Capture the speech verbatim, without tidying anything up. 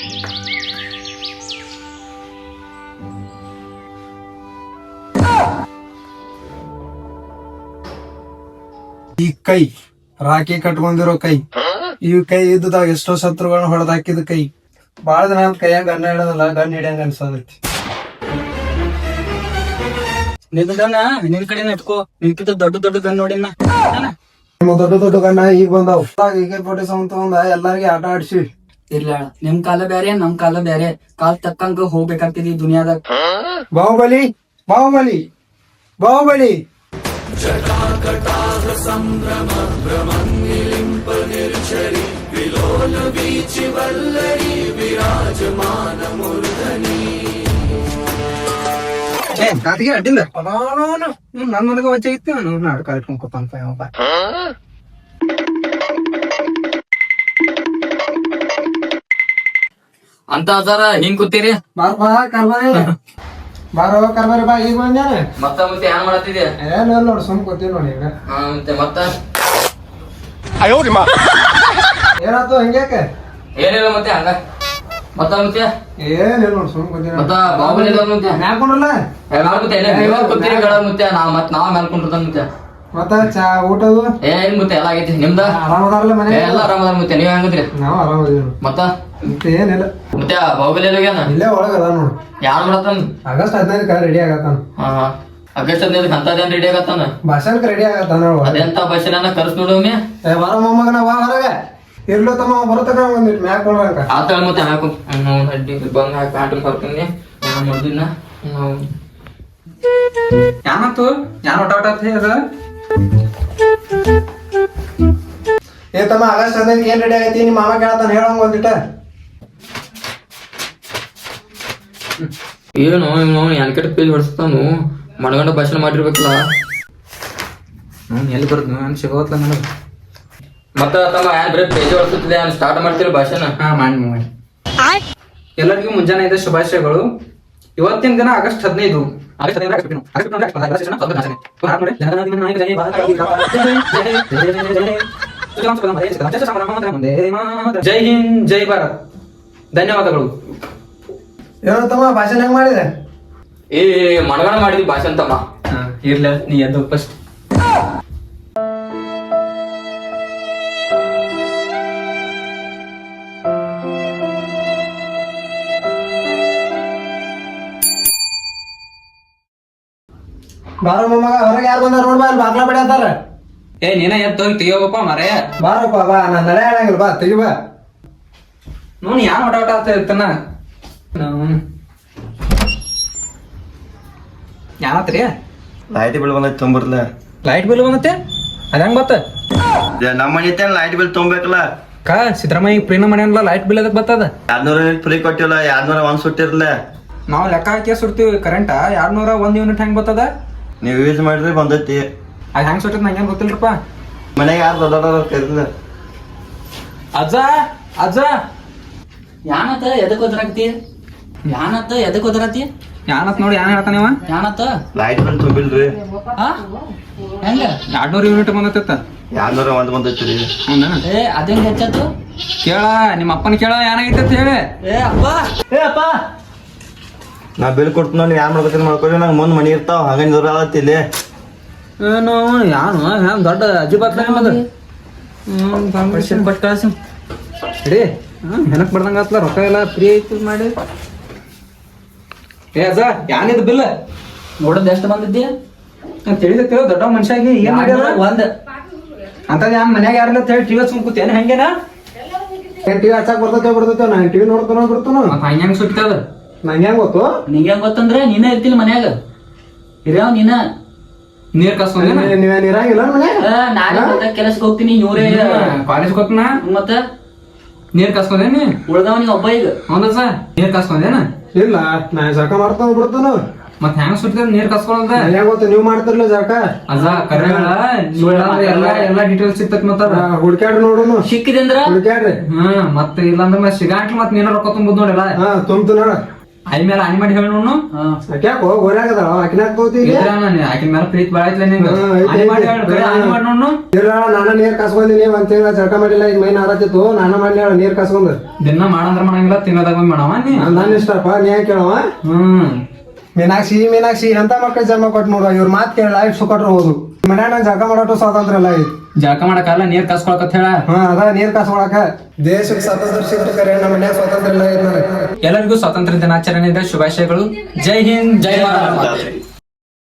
ಈ ಕೈ ರಾಖಿ ಕಟ್ಕೊಂಡಿರೋ ಕೈ, ಈ ಕೈ ಇದ್ದಾಗ ಎಷ್ಟೋ ಶತ್ರುಗಳನ್ನ ಹೊಡೆದ್ ಹಾಕಿದ ಕೈ. ಬಾಳ ದಿನ ಕೈಯಾಗ ಗಣ್ಣ ಹಿಡದಲ್ಲ, ಗಣ್ಣ ಹಿಡಿಯಂಗ ಅನ್ಸದೈತಿ. ನಿನ್ನ ನಿನ್ ಕಡೆ ಇಟ್ಕೋ, ನಿನ್ಕಿಂತ ದೊಡ್ಡ ದೊಡ್ಡ ಗನ್ ನೋಡಿನ. ದೊಡ್ಡ ದೊಡ್ಡ ಗಣ್ಣ ಈಗ ಬಂದಾವ್. ಈಗ ಫೋರ್ಟಿ ಸೆವೆನ್ ತಗೊಂಡ ಎಲ್ಲಾರ್ಗಿ ಆಟ ಆಡ್ಸಿ. ಇಲ್ಲ ನಿಮ್ ಕಾಲ ಬ್ಯಾರೆ, ನಮ್ ಕಾಲ ಬ್ಯಾರೆ. ಕಾಲ್ ತಕ್ಕಂಗ ಹೋಗ್ಬೇಕಾಗ್ತದೆ ಈ ದುನಿಯಾದಾಗ. ಬಾಹುಬಲಿ ಬಾಹುಬಲಿ ಬಾಹುಬಲಿ ಕಾತಿಗೆ ಅಡ್ಡಿಲ್ಲ. ನನ್ ನನಗ ವಜ್ಜೆ ಇತ್ತು, ನಾಡು ಕಾಲಿಟ್ಕೊಂಡ್ ಕೂತಾನಪ್ಪ ಯಾವಪ್ಪ. ಅಂತ ಅದಾರ ಹಿಂಗ್ ಕೂತೀರಿ. ಬಾರಪ್ಪ ಕರ್ಬಾರಿ, ಬಾರೋ ಕರ್ಬಾರಿ ಬಾ. ಈಗ ಬಂದ್ಯಾನ ಮತ್ತ ಮತ್ತೆ ಏನ್ ಮಾಡತ್ತಿದ್ಯಾ? ಏನಿಲ್ಲ ನೋಡ್, ಸುಮ್ ಕೂತೀವಿ ನೋಡಿ ಈಗ. ಹಾ ಮತ್ತೆ ಮತ್ತ ಏನಾಯ್ತು ಹಂಗ್ಯಾಕ? ಏನಿಲ್ಲ ಮತ್ತೆ ಹಂಗ ಮತ್ತ ಮತ್ತೆ ಏನಿಲ್ಲ ನೋಡ್, ಸುಮ್ ಕೂತೀವಿ. ಮತ್ತ ಬಾಹುಬಲಿ ಮತ್ತೆ ಹಾಕೊಂಡ್ರಲ್ಲ ಮತ್ತೆ ನೀವ ಕೂತೀರಿ ಗಳ ಮತ್ತೆ ನಾ ಮತ್ ನಾವ್ ಮೇಲ್ಕೊಂಡಿರ್ತಾನ ಮತ್ತೆ. ಮತ್ತ ಚಾ ಊಟದು ಏನ್ ಮತ್ತೆ ಎಲ್ಲ ಆಗೈತಿ ನಿಮ್ದ? ಆರಾಮದಾರಲ್ಲ ಮನೆ? ಎಲ್ಲ ಆರಾಮದಾರ ಮತ್ತೆ ನೀವ್ ಹೆಂಗದ್ರಿ? ನಾವ್ ಆರಾಮದೀವಿ. ಮತ್ತ ಏನಿಲ್ಲ ಮತ್ತೆ ಬಾಹುಬಲಿ ಹೋಗ್ಯಾನ? ಇಲ್ಲೇ ಒಳಗ ಅದ ನೋಡು. ಯಾರ್ ಮಾಡತ್ತಾನ? August ಹದಿನೈದಕ್ಕ ready ಆಗತ್ತಾನ. ಹಾ ಆಗಸ್ಟ್ ಹದಿನೈದಕ್ಕೆ ಅಂತದೇನ್ ರೆಡಿ ಆಗತ್ತಾನ? ಭಾಷಣಕ್ಕೆ ರೆಡಿ ಆಗತ್ತಾನ. ಅದೆಂತ ಭಾಷಣ ಕರ್ಸ್ ನೋಡೋಮಿ. ಬರ ಮೊಮ್ಮಗನ ಬಾ ಹೊರಗ. ಇರ್ಲು ತಮ್ಮ ಬರತಕ ಒಂದಿಟ್ಟು ಮ್ಯಾಕ್ ಕೊಡ್ರಂಕ. ಆತಳ ಮತ್ತೆ ಹಾಕು ಅಡ್ಡಿ ಬಂದ್ ಹಾಕಿ ಪ್ಯಾಂಟ್ ಬರ್ತೀನಿ. ನಾನು ಮಾಡ್ದಿನ ನಾವು ಯಾನತ್ತು ಯಾನ್ ಒಟ ಒಟ ಅದ? ಏ ತಮ್ಮ ಆಗಸ್ಟ್ ಹದಿನೈದಕ್ಕೆ ಏನ್ ರೆಡಿ ಆಗೈತಿ? ನಿಮ್ಮ ಮಾಮ ಕೇಳತ್ತಾನ, ಹೇಳಂಗ ಒಂದಿಟ್ಟ. ಏನು ಇವ್ ಎನ್ಕೆಟ್ ಪೇಜ್ ಹೊಡ್ಸ್ತಾನು. ಮಣಗಂಡ ಭಾಷಣ ಮಾಡಿರ್ಬೇಕಲ್ಲ. ಹ್ಮ್ ಎಲ್ಲಿ ಬರುದು ನಾನು ಸಿಗೋತ್ಲ ನನಗ. ಮತ್ತ ತಮ್ಮ ಏನ್ ಬರೀ ಪೇಜ್ ಹೊಡ್ಸುತ್ತಿದೆ, ಸ್ಟಾರ್ಟ್ ಮಾಡ್ತೀರಿ ಭಾಷಣ? ಹಾ ಮಾಡಿ ಮಾಡಿ. ಎಲ್ಲರಿಗೂ ಮುಂಜಾನೆ ಇದೆ ಶುಭಾಶಯಗಳು. ಇವತ್ತಿನ ದಿನ ಆಗಸ್ಟ್ ಹದಿನೈದು. ಆಗಸ್ಟ್ ಹದಿನೈದು ಆಗಸ್ಟ್ ಹದಿನೈದು. ಆಗಸ್ಟ್ ಹದಿನೈದು ಆಗಸ್ಟ್ ಹದಿನೈದು ಆಗಸ್ಟ್ ಹದಿನೈದು. ಪುನಃ ನೋಡಿ. ಜನಗಣಮನ ನಾಯಕ ಜಯ ಭಾರತ ಜಯ ಜಯ ಜೈ ಹಿಂದ್ ಜೈ ಭಾರತ್. ಧನ್ಯವಾದಗಳು. ಏನೋ ತಮ್ಮ ಭಾಷಣ ಹೆಂಗ್ ಮಾಡಿದೆ? ಏ ಮಣಗಂಡ ಮಾಡಿದ್ವಿ ಭಾಷಣ ತಮ್ಮ. ಇರ್ಲ ನೀ ಎದ್ದು ಫಸ್ಟ್. ಬಾರ ಮೊಮ್ಮಗ ಹೊರಗೆ ಯಾರು ಬಂದಾರ ನೋಡ್ಬಾ, ಅಲ್ಲಿ ಬಾಗ್ಲ ಬಡಿ ಅಂತಾರ. ಏ ನೀನ ಎದ್ದು ಹೋಗಿ ತೆಗಿಯೋಗಪ್ಪ ಮರೇ. ಬಾರಪ್ಪ ಬಾ, ನಾನ್ ನಡೆ ಹೇಳಂಗಿಲ್ಲ, ಬಾ ತೆಗಿ ಬಾ. ನೋಡ್ ಯಾನ್ ಒಟ ಒಟ ಆಗ್ತಾ ಇರ್ತಾನ. ಯಾನತ್ರಿ? ಲೈಟ್ ಬಿಲ್ ಬಂದೈತಿ ತೊಂಬರ್ಲ. Light bill ಬಂದತ್ತೆ? ಅದ ಹೆಂಗ್ ಬತ್ತ? ನಮ್ಮ ಮನೆ ಲೈಟ್ ಬಿಲ್ ತೊಂಬೇಕಲ್ಲ. ಕಾ ಸಿದ್ದರಾಮಯ್ಯ ಪ್ರೀನ ಮಾಡ್ಯಾನಲ್ಲ, ಲೈಟ್ ಬಿಲ್ ಅದಕ್ಕೆ ಬರ್ತದ? ಎರಡ್ನೂರ ಯೂನಿಟ್ ಫ್ರೀ ಕೊಟ್ಟಿಲ್ಲ, ಎರಡ್ನೂರ ಒಂದ್ ಸುಟ್ಟಿರ್ಲ. ನಾವು ಲೆಕ್ಕ ಹಾಕಿ ಸುಡ್ತೀವಿ ಕರೆಂಟ. ಎರಡ್ನೂರ ಒಂದ್ ಯೂನಿಟ್ ಹೆಂಗ್ ಬರ್ತದ? ನೀವ್ ಯೂಸ್ ಮಾಡಿದ್ರೆ ಬಂದೈತಿ. ಅದ್ ಹೆಂಗ್ ಸುಟ್ಟದ ನಂಗೇನ್ ಗೊತ್ತಿಲ್ರಪ್ಪ. ಮನೆಗೆ ಯಾರು ದೊಡ್ಡ ಕರಿಲ್ಲ. ಅಜ್ಜ ಅಜ್ಜ ಯಾನತ್ತ ಎದಕ್ ಒದರಾಕತಿ? ಯಾನತ್ತ ಎದಕ್ ಒದರಾತಿ? ಯಾನತ್ ನೋಡಿ ಯಾನ್ ಹೇಳ್ತಾನೇವ? ಯಾನತ್ತ ಲೈಟ್ ಬಿಲ್ ತುಂಬಿಲ್ರಿ. ಹೆಂಗ ಎರಡ್ನೂರ್ ಯೂನಿಟ್ ಬಂದತ್ತ. ಎರಡ್ನೂರ ಒಂದ್ ಬಂದೈತಿ ರೀ. ಹೌದಾ? ಏ ಅದೇಂಗ್ ಹೆಚ್ಚತ್ತು? ಕೇಳ ನಿಮ್ಮ ಅಪ್ಪನ ಕೇಳ ಏನಾಗೈತೆ ಅಂತ ಹೇಳಿ. ಏ ಅಪ್ಪ ಏ ಅಪ್ಪ ನಾ ಬಿಲ್ ಕೊಡ್ತು ನೋಡಿ, ಯಾರು ಮಾಡ್ಕೊತೀನಿ ಮಾಡ್ಕೊಳ್ರಿ. ನಂಗೆ ಮುಂದ್ ಮನಿ ಇರ್ತಾವ, ಹಂಗ ದೂರ ಆಗತ್ತಿ ಇಲ್ಲಿ. ಏನು ಯಾನು ಹ್ಯಾಂಗ ದೊಡ್ಡ ಅಜ್ಜಿ ಬಾತ್ಲ ನಿಮ್ಮದು. ಹ್ಮ್ ಬಟ್ ಕಳ್ಸಿ ಇಡೀ ಹೆನಕ್ ಬರ್ದಂಗ ಆತ್ಲ. ರೊಕ್ಕ ಎಲ್ಲ ಫ್ರೀ ಐತಿ ಮಾಡಿ. ಏ ಅಜ್ಜ ಯಾನಿದ್ ಬಿಲ್ ನೋಡದ್ ಎಷ್ಟು ಬಂದಿದ್ದಿ? ತಿಳಿದ ದೊಡ್ಡ ಮನುಷ್ಯ ಆಗಿ ಏನ್ ಮಾಡ್ಯಾರ? ಒಂದ್ ಅಂತದ್ ಯಾನ್ ಮನ್ಯಾಗ ಯಾರಿಲ್ಲ ಅಂತ ಹೇಳಿ ಟಿವಿ ಸುಮ್ ಕೂತೇನ ಹೆಂಗೇನ? ಟಿವಿ ಹಚ್ಚಾಕ್ ಬರ್ತೈತೆ ಬರ್ತೈತೆ, ನಾ ಟಿವಿ ನೋಡ್ತಾನ ಬಿಡ್ತಾನ. ಹಂಗ ಹೆಂಗ್ ಸುಟ್ಟದ ನಂಗೆ ಹೆಂಗ್ ಗೊತ್ತು? ನಿಂಗೆ ಹೆಂಗ್ ಗೊತ್ತಂದ್ರೆ ನೀನೇ ಇರ್ತಿಲ್ಲ ಮನ್ಯಾಗ. ಇರ್ಯಾವ ನೀನ ನೀರ್ ಕಸ್ಕೊಂಡೇನ? ನೀವೇನ್ ಇರಂಗಿಲ್ಲ ಮನ್ಯಾಗ? ನಾಳೆ ಕೆಲಸಕ್ಕೆ ಹೋಗ್ತೀನಿ. ಇವ್ರೇ ಕಾಲೇಜ್ ಗೊತ್ತನ? ಮತ್ತ ನೀರ್ ಕಸ್ಕೊಂಡೇನಿ? ಉಳ್ದವ ನೀ ಒಬ್ಬ ಈಗ. ಹೌದಾ ಸರ್? ನೀರ್ ಕಸ್ಕೊಂಡೇನ? ಇಲ್ಲ, ನಾ ಜಳಕ ಮಾಡ್ತಾನ ಬಿಡ್ತಾನ. ಮತ್ ಹೆಂಗ್ ಸುಟ್ಟಿದ ನೀರ್ ಕಸ್ಕೊಳದ? ಹೆಂಗ್ ಗೊತ್ತ? ನೀವ್ ಮಾಡ್ತಿರ್ಲ ಜಳಕ? ಅಜ್ಜ ಕರೆಗಳ ಎಲ್ಲಾ ಎಲ್ಲಾ ಡೀಟೇಲ್ಸ್ ಸಿಗ್ತೈತಿ. ಮತ್ತ ಹುಡ್ಕ್ಯಾಡ್ರಿ ನೋಡುನು. ಸಿಕ್ಕಿದೆ ಅಂದ್ರ ಹುಡ್ಕ್ಯಾಡ್ರಿ. ಹ್ಮ್ ಮತ್ ಇಲ್ಲಾಂದ್ರ ಸಿಗಾಟ್ಲಿ ಮತ್ ನೀನ ರೊಕ್ಕ ತುಂಬುದ್ ನೋಡಿಲ್ಲ. ಹಾ ತುಂಬ್ತು ನೋಡ. ಆಯ್ ಮೇಲೆ ಆನಿ ಮಾಡಿ ಹೇಳಿ ನೋಡು ಯಾಕೋ ಗೋರ್ಯಾಗದ ಆಕಿನಾಗ ತಗೋತಿ ಆಕಿನ ಮೇಲೆ ಪ್ರೀತಿ ಬಾಳ ಐತ್ಲ ನಿಂಗ ಹಾ, ಐತಿ, ಆನಿ ಮಾಡಿ ಐತಿ. ಹೇಳು ಕರೆ ಆನಿ ಮಾಡಿ ನೋಡು ಇಲ್ಲ ನಾನ ನೀರ್ ಕಸ್ಕೊಂದಿನಿ ಒಂದ್ ತಿಂಗಳ ಜಳಕ ಮಾಡಿಲ್ಲ ಈಗ ಮೈನ್ ಆರತಿತ್ತು ನಾನ ಮಾಡ್ಲಿ ನೀರ್ ಕಸ್ಕೊಂಡ್ ದಿನ ಮಾಡಂದ್ರ ಮಾಡಂಗಿಲ್ಲ ತಿನ್ನೋದಾಗ ಒಮ್ಮೆ ಮಾಡವ ನೀ ನನ್ ಇಷ್ಟಪ್ಪ ನೀ ಯಾಕೆ ಕೇಳವ ಹ್ಮ್ ಮೀನಾಕ್ಷಿ ಮೀನಾಕ್ಷಿ ಎಂತ ಮಕ್ಕಳು ಜನ್ಮ ಕೊಟ್ಟು ನೋಡುವ ಇವ್ರ ಮಾತ್ ಕೇಳ ಲೈಫ್ ಸುಕೊಟ್ರು ಹೋದು ಮನ್ಯಾಗ ಜಳಕ ಮಾಡೋಟು ಸ್ವಾತಂತ್ರ್ಯ ಇಲ್ಲ ಐತಿ ಜಳಕ ಮಾಡಕಲ್ಲ ನೀರ್ ಕಸ್ಕೊಳಕತ್ ಹೇಳ ಹಾ ಅದ ನೀರ್ ಕಸ್ಕೊಳಕ ದೇಶಕ್ಕೆ ಸ್ವಾತಂತ್ರ್ಯ ಸಿಕ್ತು ಕರೆ ನಮ್ಮ ಮನ್ಯಾಗ ಸ್ವಾತಂತ್ರ್ಯ ಇಲ್ಲ ಐತಿ ನನಗೆ ಎಲ್ಲರಿಗೂ ಸ್ವಾತಂತ್ರ್ಯ ದಿನಾಚರಣೆಯ ಶುಭಾಶಯಗಳು ಜೈ ಹಿಂದ್ ಜೈ ಭಾರತ್.